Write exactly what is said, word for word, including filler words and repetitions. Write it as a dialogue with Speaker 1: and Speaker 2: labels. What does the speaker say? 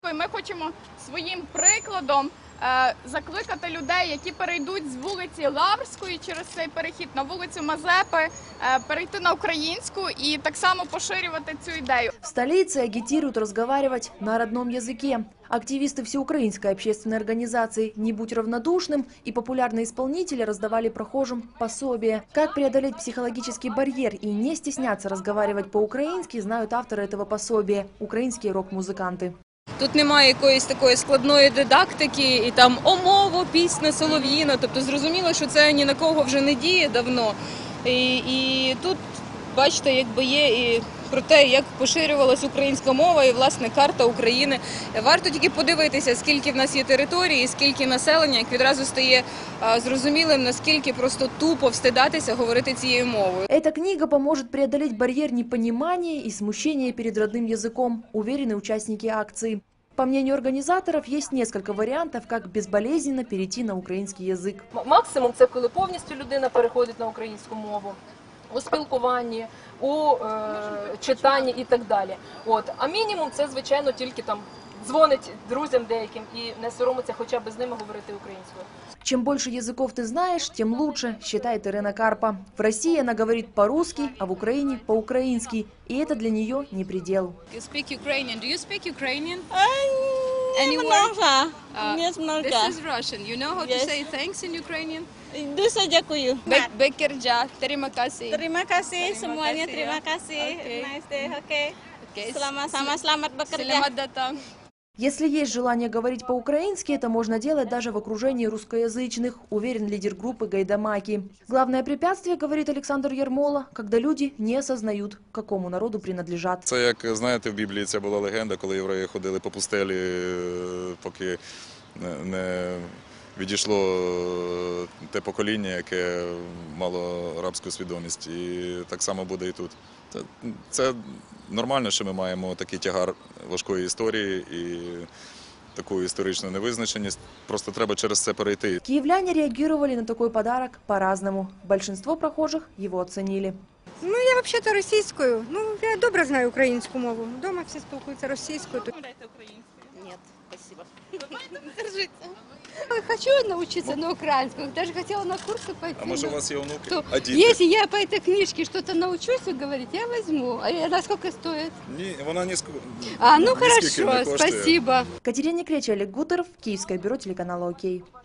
Speaker 1: Ми хочемо своїм прикладом закликати людей, які перейдуть з вулиці Лаврської через цей перехід на вулицю Мазепи, перейти на українську и так само поширювати цю ідею.
Speaker 2: В столице агитируют разговаривать на родном языке. Активисты всеукраинской общественной организации «Не будь равнодушным» и популярные исполнители раздавали прохожим пособия. Как преодолеть психологический барьер и не стесняться разговаривать по-украински, знают авторы этого пособия – украинские рок-музыканты.
Speaker 3: Тут немає якоїсь такої складної дидактики і там «О, мово, пісня, солов'їна». Тобто зрозуміло, що це ні на кого вже не діє давно. І, і тут, бачите, якби є і про те, як поширювалася українська мова і, власне, карта України. Варто тільки подивитися, скільки в нас є території, скільки населення, як відразу стає а, зрозумілим, наскільки просто тупо встидатися говорити цією мовою.
Speaker 2: Эта книга поможет преодолеть барьер непонимания и смущения перед родным языком, уверены участники акции. По мнению организаторов, есть несколько вариантов, как безболезненно перейти на український язик.
Speaker 4: Максимум – це коли повністю людина переходить на українську мову. У спілкуванні, у е, читанні і так далі. От. А мінімум – це, звичайно, тільки там дзвонить друзям деяким і не соромиться хоча б з ними говорити українською.
Speaker 2: Чем больше языков ты знаешь, тем лучше, считает Ирина Карпа. В России она говорит по-русски, а в Украине – по-украински. И это для нее не предел.
Speaker 5: You speak Ukrainian. Do you speak Ukrainian?
Speaker 6: Any word?
Speaker 5: Uh, this is Russian. You know how to
Speaker 6: Yes.
Speaker 5: say thanks in Ukrainian?
Speaker 6: Дуже дякую.
Speaker 5: Bekirja, terima kasih.
Speaker 6: Terima kasih
Speaker 5: Terima
Speaker 6: semuanya.
Speaker 5: kasih,
Speaker 6: Terima
Speaker 5: ya.
Speaker 6: kasih.
Speaker 5: Oke.
Speaker 6: Nice day. Oke.
Speaker 5: Okay.
Speaker 6: Selamat sama selamat bekerja.
Speaker 5: Selamat datang.
Speaker 2: Если есть желание говорить по-украински, это можно делать даже в окружении русскоязычных, уверен лидер группы Гайдамаки. Главное препятствие, говорит Александр Ярмола, когда люди не осознают, к какому народу принадлежат.
Speaker 7: Це, як знаєте, в Біблії ця була легенда, коли євреї ходили по пустелі, поки не відійшло те покоління, яке мало рабську свідомість. І так само буде і тут. Це, це нормально, що ми маємо такий тягар важкої історії і таку історичну невизначеність. Просто треба через це перейти.
Speaker 2: Киевляне реагировали на такой подарок по-разному. Большинство прохожих его оценили.
Speaker 8: Ну, я взагалі-то російською. Ну, я добре знаю українську мову. Дома всі спілкуються російською.
Speaker 6: Нет, спасибо.
Speaker 8: Держите. Хочу научиться на украинском. Даже хотела на курсы пойти.
Speaker 7: А може у вас є онуки?
Speaker 8: То,
Speaker 7: А діти?
Speaker 8: если я по этой книжке что-то научусь говорить, я возьму. А она сколько стоит?
Speaker 7: Ні, вона ні,
Speaker 8: А, ну
Speaker 7: ні скільки не
Speaker 8: хорошо,
Speaker 7: коштує.
Speaker 8: спасибо.
Speaker 2: Катерина Кречь, Олег Гутеров, Киевское бюро телеканала «Окей».